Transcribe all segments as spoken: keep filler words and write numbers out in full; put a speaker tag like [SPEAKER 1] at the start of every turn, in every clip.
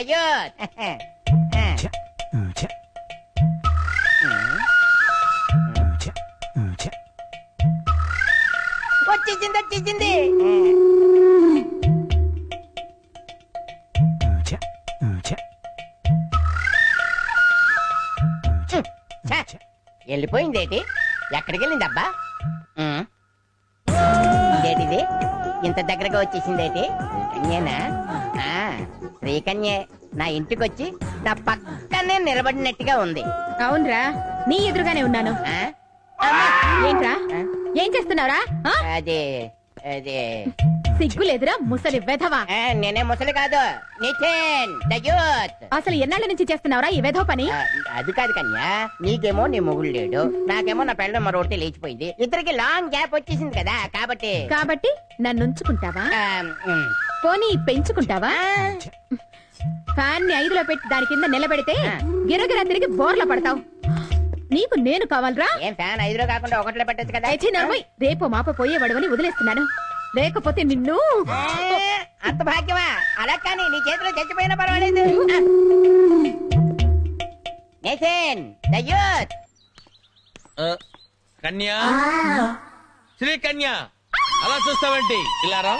[SPEAKER 1] దయ్యోత్ వచ్చేసింది వచ్చేసింది. వెళ్ళిపోయిందేటి? ఎక్కడికి వెళ్ళింది అబ్బా? ఇదేటిది ఇంత దగ్గరగా వచ్చేసిందేటి? శ్రీకన్యేనా? శ్రీకన్యే నా ఇంటికొచ్చి నా పక్కనే నిలబడినట్టుగా ఉంది.
[SPEAKER 2] అవునరా, నీ ఎదురుగానే ఉన్నాను. ఏంట్రా, ఏం చేస్తున్నావురా?
[SPEAKER 1] అదే అదే
[SPEAKER 2] సిగ్గు లేదురా ముసలి వెధవా.
[SPEAKER 1] నేనే ముసలి కాదు, నితిన్ దయ్యోత్.
[SPEAKER 2] అసలు ఎన్నాళ్ళ నుంచి చేస్తున్నావురా ఈ వెధవ పని?
[SPEAKER 1] అది కాదు కన్యా, నీకేమో నీ మొగుడు లేడు, నాకేమో నా పెళ్ళ మరొకటి లేచిపోయింది. ఇద్దరికి లాంగ్ గ్యాప్ వచ్చేసింది కదా, కాబట్టి
[SPEAKER 2] కాబట్టి నన్ను ఉంచుకుంటావా? పోనీ పెంచుకుంటావా? ఫ్యాన్ ని ఐదులో పెట్టి దాని కింద నిలబెడితే గిరగిరా తిరిగి బోర్ల పడతావు. నీకు నేను కావాలరా?
[SPEAKER 1] ఏం ఫ్యాన్ ఐదులో కాకుండా ఒకటిలో పెట్టచ్చు కదా.
[SPEAKER 2] రేపు మాప పోయేవాడవని వదిలేస్తున్నాను, లేకపోతే నిన్ను.
[SPEAKER 1] అంత భాగ్యమా? అలా కానీ నీ చేతిలో చచ్చిపోయినా పర్వాలేదు. నితిన్ దయ్యోత్.
[SPEAKER 3] కన్యా, శ్రీ కన్యా, అలా చూస్తావేంటి? ఇలా రా,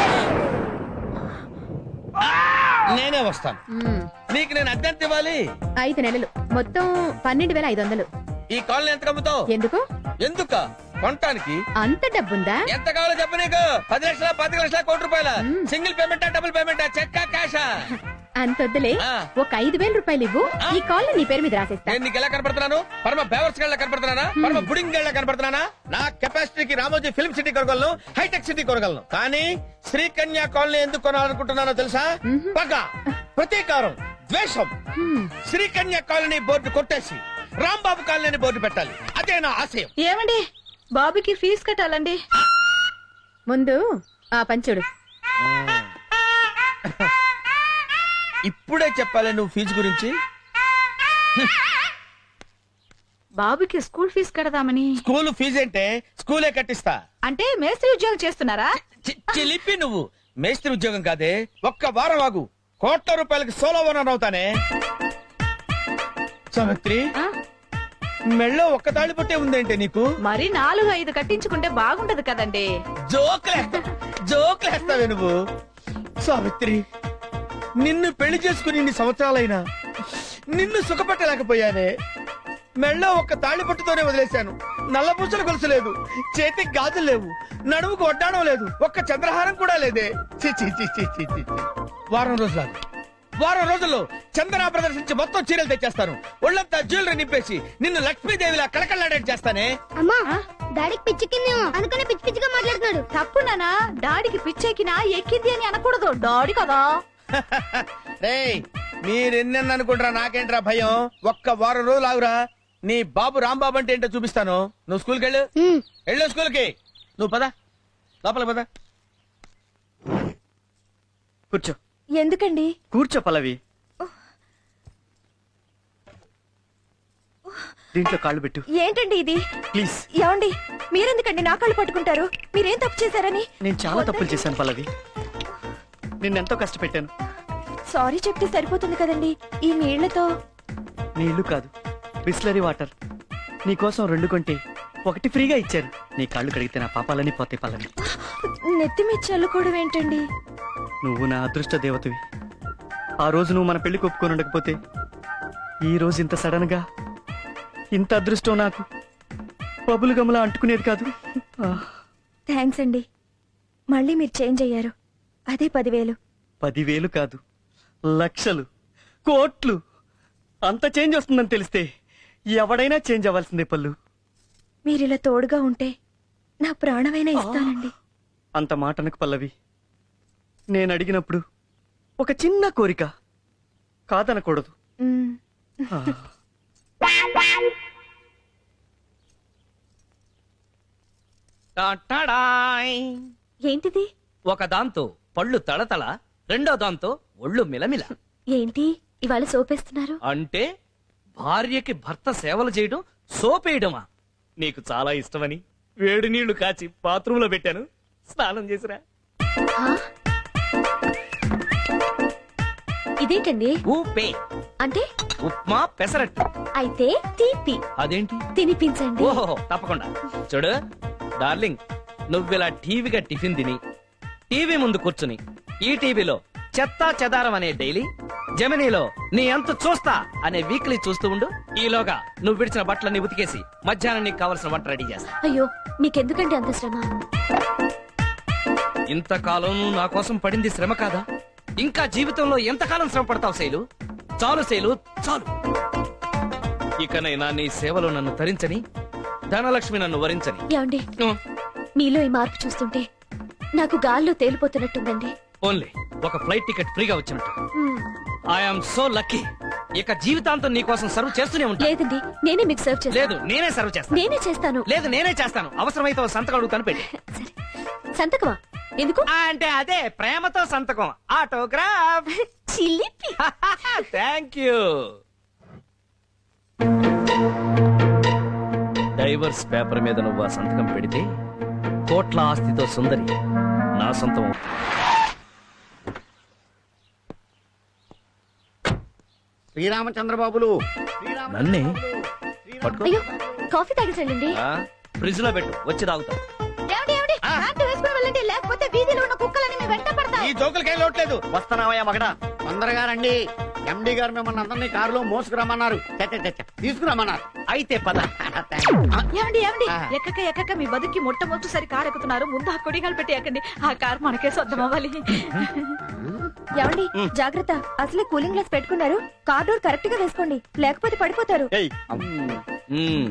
[SPEAKER 3] నేనే వస్తాను. నీకు నేను అద్దెంత ఇవ్వాలి?
[SPEAKER 2] ఐదు నెలలు, మొత్తం పన్నెండు వేల ఐదు వందలు.
[SPEAKER 3] ఈ కాలనీ ఎంత కమ్ముతావు?
[SPEAKER 2] ఎందుకు?
[SPEAKER 3] ఎందుక కొనటానికి.
[SPEAKER 2] అంత డబ్బుందా?
[SPEAKER 3] ఎంత కావాలో చెప్పు. నీకు పది లక్షల పది లక్షల కోటి రూపాయల సింగిల్ పేమెంటా డబుల్ పేమెంటా చెక్కా క్యాషా?
[SPEAKER 2] అంతొద్దులే, ఒక ఐదు వేల రూపాయలు ఇవ్వు, ఈ కాల్ నీ పేరు మీద రాసేస్తా.
[SPEAKER 3] నేను నీకు ఎలా కనపడుతున్నాను? పరమ బేవర్స్ గళ్ళ కనపడుతున్నానా? పరమ బుడింగ్ గళ్ళ కనపడుతున్నానా? నా కెపాసిటీకి రామోజీ ఫిల్మ్ సిటీ కొనగలను, హైటెక్ సిటీ కొనగలను, కానీ శ్రీకన్యా కాలనీ ఎందుకు కొనాలనుకుంటున్నానో తెలుసా? పగ, ప్రతీకారం, ద్వేషం. శ్రీకన్యా కాలనీ బోర్డు కొట్టేసి రాంబాబు కాలనీ బోర్డు పెట్టాలి, అదే నా ఆశయం.
[SPEAKER 2] ఏమండి, బాబుకి ఫీజు కట్టాలండి. ముందు ఆ పంచుడు.
[SPEAKER 3] ఇప్పుడే చెప్పాలి నువ్వు ఫీజు గురించి?
[SPEAKER 2] బాబుకి స్కూల్ ఫీజు కడదామని.
[SPEAKER 3] స్కూల్ ఫీజు అంటే స్కూలే కట్టిస్తా.
[SPEAKER 2] అంటే మేస్త్రి ఉద్యోగం చేస్తున్నారా?
[SPEAKER 3] చిలిపి నువ్వు. మేస్త్రి ఉద్యోగం కాదే, ఒక్క వారం ఆగు, కోట్ల రూపాయలకి సోలో ఓనర్ అవుతానే. సావిత్రి, మెళ్ళో ఒక్క తాళి పట్టే ఉందేంటే నీకు?
[SPEAKER 2] మరి నాలుగు ఐదు కట్టించుకుంటే బాగుంటది కదండి.
[SPEAKER 3] జోకులేస్తా జోకులేస్తావే నువ్వు. సావిత్రి, నిన్ను పెళ్లి చేసుకుని ఇన్ని సంవత్సరాలైనా నిన్ను సుఖపెట్టలేకపోయానే. మెళ్ళో ఒక్క తాళి పట్టుతోనే వదిలేశాను. నల్లపూసలు గొలుసు లేదు, చేతికి గాజులు లేవు, నడుముకు వడ్డాణం లేదు, ఒక్క చంద్రహారం కూడా లేదే. చి చి చి చి చి చి. వారం రోజులు వారం రోజుల్లో చందన ప్రదర్శించి మొత్తం చీరలు తెచ్చేస్తాను. ఒళ్ళంతా జ్యువెలరీ నింపేసి నిన్ను లక్ష్మీదేవిలా కళకళలాడేట్ చేస్తానే.
[SPEAKER 4] అమ్మా, డాడీకి పిచ్చెక్కిందేమో, అందుకనే పిచ్చి పిచ్చిగా మాట్లాడుతున్నాడు.
[SPEAKER 2] తప్పు నానా, డాడీకి పిచ్చెక్కినా ఎక్కింది అని అనకూడదు, డాడీ కదా.
[SPEAKER 3] రేయ్, మీరెన్నెన్న అనుకుంటారా, నాకేంట్రా భయం. ఒక్క వారం రోజులు ఆగురా, నీ బాబు రాంబాబు అంటే ఏంటో చూపిస్తాను. నువ్వు స్కూల్కి వెళ్ళు, వెళ్ళు స్కూల్కి. నువ్వు పద, లోపల పద. కూర్చో.
[SPEAKER 2] ఎందుకండి?
[SPEAKER 5] కూర్చో పల్లవి. దీంట్లో కాళ్ళు పెట్టు.
[SPEAKER 2] ఏంటండి ఇది?
[SPEAKER 5] ప్లీజ్.
[SPEAKER 2] ఏమండి, మీరెందుకండి నా కాళ్ళు పట్టుకుంటారు? మీరేం తప్పు చేశారని?
[SPEAKER 5] నేను చాలా తప్పులు చేశాను పల్లవి, నిన్నెంతో కష్టపెట్టాను.
[SPEAKER 2] సారీ చెప్తే సరిపోతుంది కదండి. ఈ నీళ్లతో.
[SPEAKER 5] నీళ్లు కాదు, బిస్లరీ వాటర్. నీకోసం రెండు కొంటే ఒకటి ఫ్రీగా ఇచ్చారు. నీ కాళ్ళు కడిగితే నా పాపాలని పోతే పల్లవి.
[SPEAKER 2] నెత్తి మీద చల్లుకోవడం ఏంటండి?
[SPEAKER 5] నువ్వు నా అదృష్ట దేవతవి. ఆ రోజు నువ్వు మన పెళ్లి ఒప్పుకొని ఉండకపోతే ఈ రోజు ఇంత సడన్ గా ఇంత అదృష్టం నాకు బబులు గమలా అంటుకునేది కాదు.
[SPEAKER 2] థ్యాంక్స్ అండి, మళ్ళీ మీరు చేంజ్ అయ్యారు. అదే పదివేలు.
[SPEAKER 5] పదివేలు కాదు, లక్షలు, కోట్లు. అంత చేంజ్ వస్తుందని తెలిస్తే ఎవడైనా చేంజ్ అవ్వాల్సిందే పల్లు.
[SPEAKER 2] మీరిలా తోడుగా ఉంటే నా ప్రాణమైనా ఇస్తానండి.
[SPEAKER 5] అంత మాటనకు పల్లవి. నేను అడిగినప్పుడు ఒక చిన్న కోరిక, కాదనకూడదు.
[SPEAKER 2] ఏంటిది?
[SPEAKER 6] ఒక దాంతో పళ్ళు తళతళ, రెండో దాంతో ఒళ్ళు మిలమిల.
[SPEAKER 2] ఏంటి ఇవాళ సోపేస్తున్నారు?
[SPEAKER 6] అంటే భార్యకి భర్త సేవలు చేయడం సోపేయడమా? నీకు చాలా ఇష్టమని వేడి నీళ్లు కాచి బాత్రూంలో పెట్టాను, స్నానం చేసిరా.
[SPEAKER 7] ఇదేంటండి?
[SPEAKER 6] ఊపే
[SPEAKER 7] అంటే
[SPEAKER 6] ఉప్మా పెసరట్టు.
[SPEAKER 7] అయితే తీపి
[SPEAKER 6] అదేంటి?
[SPEAKER 7] తినిపించండి.
[SPEAKER 6] ఓహో తప్పకుండా. చూడు డార్లింగ్, నువ్విలా టీవీగా టిఫిన్ తిని టీవీ ముందు కూర్చుని ఈ టీవీలో చెత్తా చెదారం అనే డైలీ, జమినీలో నీ అంత చూస్తా అనే వీక్లీ చూస్తూ ఉండు. ఈలోగా నువ్వు విడిచిన బట్టలన్నీ ఉతికేసి మధ్యాహ్నం నీకు కావలసిన వంట రెడీ చేస్తా.
[SPEAKER 7] అయ్యో మీకెందుకండి అంత శ్రమ?
[SPEAKER 6] ఇంతకాలం నువ్వు నా కోసం పడింది శ్రమ కాదా? ఇంకా జీవితంలో ఎంతకాలం శ్రమ పడతావు శైలు? చాలు శైలు, చాలు. ఇకనైనా నీ సేవలో నన్ను తరించని, ధనలక్ష్మి నన్ను వరించని.
[SPEAKER 7] ఏమండి, మీలో ఈ మార్పు చూస్తుంటే నాకు గాల్లో తేలిపోతున్నట్టుందండి.
[SPEAKER 6] ఓన్లీ ఒక ఫ్లైట్ టికెట్ ఫ్రీగా వచ్చినట్టు.
[SPEAKER 7] మ్మ్.
[SPEAKER 6] I'm so lucky. ఇక జీవితాంతం నీ కోసం సర్వ్ చేస్తూనే ఉంటా.
[SPEAKER 7] లేదండి, నేనే మీకు సర్వ్ చేస్తాను.
[SPEAKER 6] లేదు నేనే సర్వ్ చేస్తాను.
[SPEAKER 7] నేనే చేస్తాను.
[SPEAKER 6] లేదు నేనే చేస్తాను. అవసరమైతే ఓ సంతకం అడుగుతాను, పెట్టి.
[SPEAKER 7] సరే, సంతకమా? ఎందుకు?
[SPEAKER 6] ఆ, అంటే అదే ప్రేమతో సంతకం, ఆటోగ్రాఫ్.
[SPEAKER 7] చిలిపి.
[SPEAKER 6] Thank you. డైవర్స్ పేపర్ మీద నువ్వు ఆ సంతకం పెడితే కోట్ల ఆస్తితో సుందరి నా సొంతం.
[SPEAKER 8] శ్రీరామచంద్రబాబులు
[SPEAKER 6] నన్నే పట్టుకో.
[SPEAKER 7] అయ్యో, కాఫీ తాగేసండి.
[SPEAKER 6] ఫ్రిడ్జ్ లో పెట్టు, వచ్చి తాగుతా.
[SPEAKER 2] లేకపోతే వీధిలో ఉన్న కుక్కలని మీ వెంట పడతాయి.
[SPEAKER 3] ఈ జోకులకేం లోట్లేదు.
[SPEAKER 8] వస్తున్నావయ్యా మగడా, తొందరగా రండి. ఎండి గారు మిమ్మల్ని అందరినీ కారులో మోసుకురమ్మన్నారు. చ, చ, చ, చ, తీసుకురమ్మన్నారు.
[SPEAKER 6] అయితే పద.
[SPEAKER 2] ఏమండి ఏమండి ఎక్కక ఎక్కక మీ బతుకి మొట్టమొదటిసారి కారు ఎక్కుతున్నారు. ముందు ఆ కొడిగాలు పెట్టి ఎక్కండి. ఆ కారు మనకే సొంతం అవ్వాలి.
[SPEAKER 7] ఏమండి, జాగ్రత్త. అసలే కూలింగ్ గ్లాస్ పెట్టుకున్నారు. కార్ డోర్ కరెక్ట్ గా వేసుకోండి, లేకపోతే పడిపోతారు.
[SPEAKER 6] మ్మ్.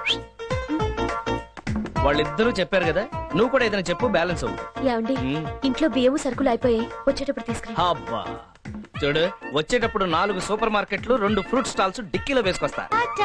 [SPEAKER 6] వాళ్ళిద్దరూ చెప్పారు కదా, నువ్వు కూడా ఏదైనా చెప్పు, బ్యాలెన్స్ అవ్వు.
[SPEAKER 7] ఏమండి,
[SPEAKER 6] మ్మ్.
[SPEAKER 7] ఇంట్లో బియ్యము సరుకులు అయిపోయాయి. వచ్చేటప్పుడు తీసుకురా.
[SPEAKER 6] అబ్బా చూడు, వచ్చేటప్పుడు నాలుగు సూపర్ మార్కెట్లు, రెండు ఫ్రూట్ స్టాల్స్ డిక్కీలో వేసుకొస్తా.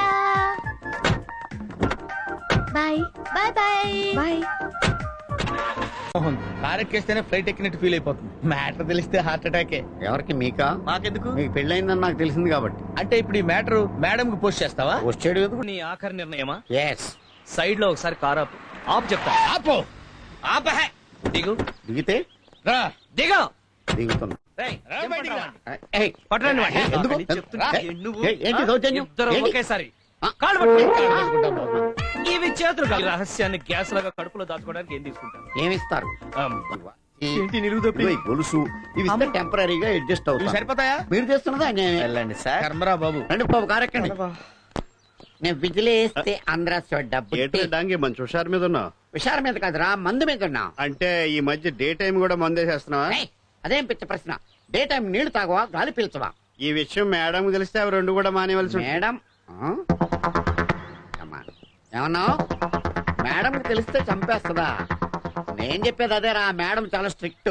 [SPEAKER 7] Bye bye bye bye.
[SPEAKER 3] Mohan car ఎక్కేస్తేనే ఫ్లైట్ ఎక్కినట్టు ఫీల్ అయిపోతుంది. మ్యాటర్ తెలిస్తే హార్ట్ అటాకే.
[SPEAKER 8] ఎవరికి? మీకా?
[SPEAKER 3] మాకెందుకు?
[SPEAKER 8] మీకు పెళ్ళయిందని నాకు తెలిసింది కాబట్టి.
[SPEAKER 3] అంటే ఇప్పుడు ఈ మ్యాటర్ మేడం కి పోస్ట్ చేస్తావా?
[SPEAKER 8] వచ్చాడు కదా.
[SPEAKER 6] నీ ఆఖరి నిర్ణయమా?
[SPEAKER 8] ఎస్.
[SPEAKER 6] సైడ్ లో ఒకసారి కార్ ఆపు. ఆపు చెప్తా.
[SPEAKER 3] ఆపో.
[SPEAKER 6] ఆపహే. దిగు
[SPEAKER 8] దిగితే
[SPEAKER 3] రా.
[SPEAKER 6] దిగు.
[SPEAKER 8] దిగుతున్నా.
[SPEAKER 6] రేయ్,
[SPEAKER 3] రా
[SPEAKER 6] జంప్
[SPEAKER 3] బయటికి రా.
[SPEAKER 6] పట్టరా.
[SPEAKER 8] ఏయ్,
[SPEAKER 6] పట్టరండి వాడిని.
[SPEAKER 8] ఎందుకు?
[SPEAKER 6] అని చెప్తున్నా.
[SPEAKER 8] ఏయ్,
[SPEAKER 6] నువ్వు
[SPEAKER 8] ఏయ్, ఏంటి దౌర్జన్యం?
[SPEAKER 6] ఇద్దరు
[SPEAKER 8] ఏంటి?
[SPEAKER 6] ఒకేసారి
[SPEAKER 8] ఆ.
[SPEAKER 6] కాళ్ళు పట్టుకో.
[SPEAKER 3] పట్టుకుంటాం బాబు.
[SPEAKER 6] ఇవి చేతులు కాదు. ఈ రహస్యాన్ని గ్యాస్ లాగా కడుపులో దాచుకోవడానికి ఏం తీసుకుంటాను?
[SPEAKER 8] ఏమిస్తారు?
[SPEAKER 6] అబ్బా.
[SPEAKER 8] ఈ-
[SPEAKER 5] ఏంటి నిలువుదప్పి?
[SPEAKER 8] ఇదిగో ఈ గొలుసు ఇవి ఇస్తే టెంపరీగా అడ్జస్ట్
[SPEAKER 3] ఇవి
[SPEAKER 8] అవుతాయి.
[SPEAKER 3] సరిపోతాయా?
[SPEAKER 8] మీరు చేస్తున్నదా అన్యాయం.
[SPEAKER 5] వెళ్ళండి సార్.
[SPEAKER 3] కర్మరా బాబు.
[SPEAKER 8] రండి బాబు, కారెక్కండి. నేను విజిలేస్తే ఆంధ్ర డబ్బు
[SPEAKER 9] డాంగి మంచి హుషారు మీద ఉన్నావు.
[SPEAKER 8] విషారం మీద కాదురా, మందు మీద ఉన్నా.
[SPEAKER 9] అంటే ఈ మధ్య డే టైం కూడా మందేసేస్తున్నావా?
[SPEAKER 8] ఏయ్, అదేం పిచ్చ ప్రశ్న. డే టైం నీళ్లు తాగవా, గాలి పీల్చవా?
[SPEAKER 9] ఈ విషయం మేడం తెలిస్తే అవి రెండు కూడా మానేవలసి ఉంటుంది.
[SPEAKER 8] మేడం ఆ? అమ్మా, ఏమన్నావు? మేడం తెలిస్తే చంపేస్తుందా? నేను చెప్పేది అదేరా, మేడం చాలా స్ట్రిక్ట్.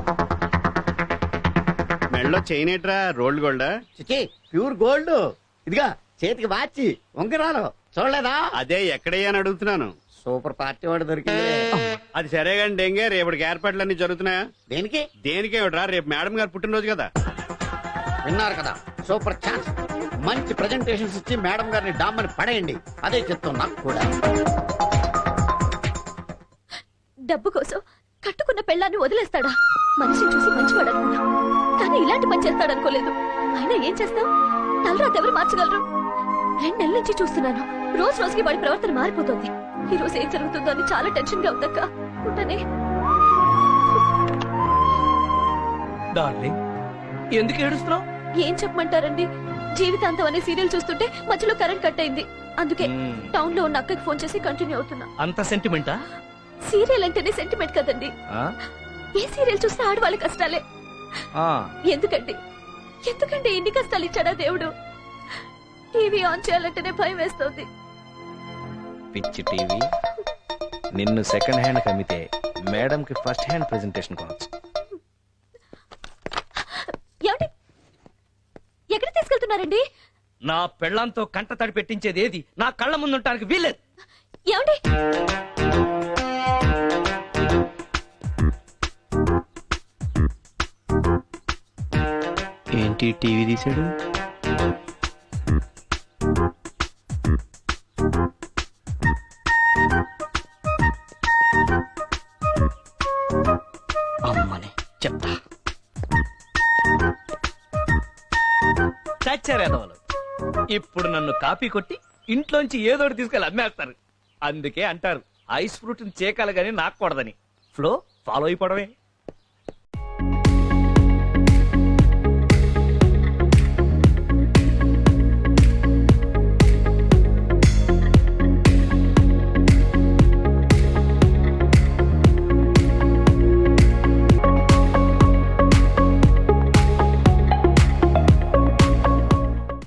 [SPEAKER 9] మెడలో చైన్ ఏట్రా, రోల్డ్ గోల్డా?
[SPEAKER 8] చిచి, ప్యూర్ గోల్డ్. ఇదిగా చేతికి వాచి, ఉంగరాలు చూడలేదా?
[SPEAKER 9] అదే ఎక్కడయ్యా అని అడుగుతున్నాను.
[SPEAKER 8] సూపర్ పార్టీ వాడు దొరికింది.
[SPEAKER 9] అది సరే కానీ డెంగే, రేపటికి ఏర్పాట్లన్నీ జరుగుతున్నాయా?
[SPEAKER 8] దేనికి?
[SPEAKER 9] దేనికేమిట్రా, రేపు మేడం గారు పుట్టినరోజు కదా.
[SPEAKER 8] విన్నారు కదా, సూపర్ ఛాన్స్. మంచి ప్రెజెంటేషన్స్ ఇచ్చి మేడం గారిని డామ్మని పడేయండి. అదే చెప్తాం నాకు కూడా.
[SPEAKER 7] డబ్బు కోసం కట్టుకున్న పెళ్ళాన్ని వదిలేస్తాడా? మనిషిని చూసి మంచివాడు అనుకున్నా, కానీ ఇలాంటి పని చేస్తాడనుకోలేదు. అయినా ఏం చేస్తాం? తలరాత ఎవరు మార్చగలరు? రెండు నెలల నుంచి చూస్తున్నాను. రోజు రోజుకి వాడి ప్రవర్తన మారిపోతుంది. ఈ రోజు ఏం జరుగుతుందో అని చాలా టెన్షన్ గా ఉందక్క. ఉంటానే.
[SPEAKER 6] డార్లింగ్, ఎందుకు ఏడుస్తున్నావు?
[SPEAKER 7] ఏం చెప్పమంటారండి? జీవితాంతం అనే సీరియల్ చూస్తుంటే మధ్యలో కరెంట్ కట్ అయింది. అందుకే
[SPEAKER 6] మ్మ్.
[SPEAKER 7] టౌన్ లో ఉన్న అక్కకి ఫోన్ చేసి కంటిన్యూ అవుతున్నా.
[SPEAKER 6] అంత సెంటిమెంటా?
[SPEAKER 7] సీరియల్ అంటేనే సెంటిమెంట్ కదండి.
[SPEAKER 6] ఆ?
[SPEAKER 7] ఏ సీరియల్ చూస్తే ఆడవాళ్ళ కష్టాలే.
[SPEAKER 6] ఆ.
[SPEAKER 7] ఎందుకండి ఎందుకంటే ఇన్ని కష్టాలు ఇచ్చాడా దేవుడు? టీవీ ఆన్ చేయాలంటేనే భయం వేస్తుంది.
[SPEAKER 6] పిచ్చి టీవీ. నిన్ను సెకండ్ హ్యాండ్ కమ్మితే మేడం కి ఫస్ట్ హ్యాండ్ ప్రెజెంటేషన్ కొనొచ్చు.
[SPEAKER 7] ఏమండి, ఎక్కడ తీసుకెళ్తున్నారండి?
[SPEAKER 6] నా పెళ్ళంతో కంట తడి పెట్టించేది ఏది నా కళ్ళ ముందుంటానికి వీల్లేదు.
[SPEAKER 7] ఏమండి?
[SPEAKER 5] ఏంటి టీవీ తీసాడు? అమ్మని చెప్తా.
[SPEAKER 6] చచ్చారేదవలు ఇప్పుడు నన్ను కాపీ కొట్టి ఇంట్లోంచి ఏదోటి తీసుకెళ్ళి అమ్మేస్తారు. అందుకే అంటారు ఐస్ ఫ్రూట్ చేకాలి గాని నాకూడదని. Flow follow అయిపోవడమే.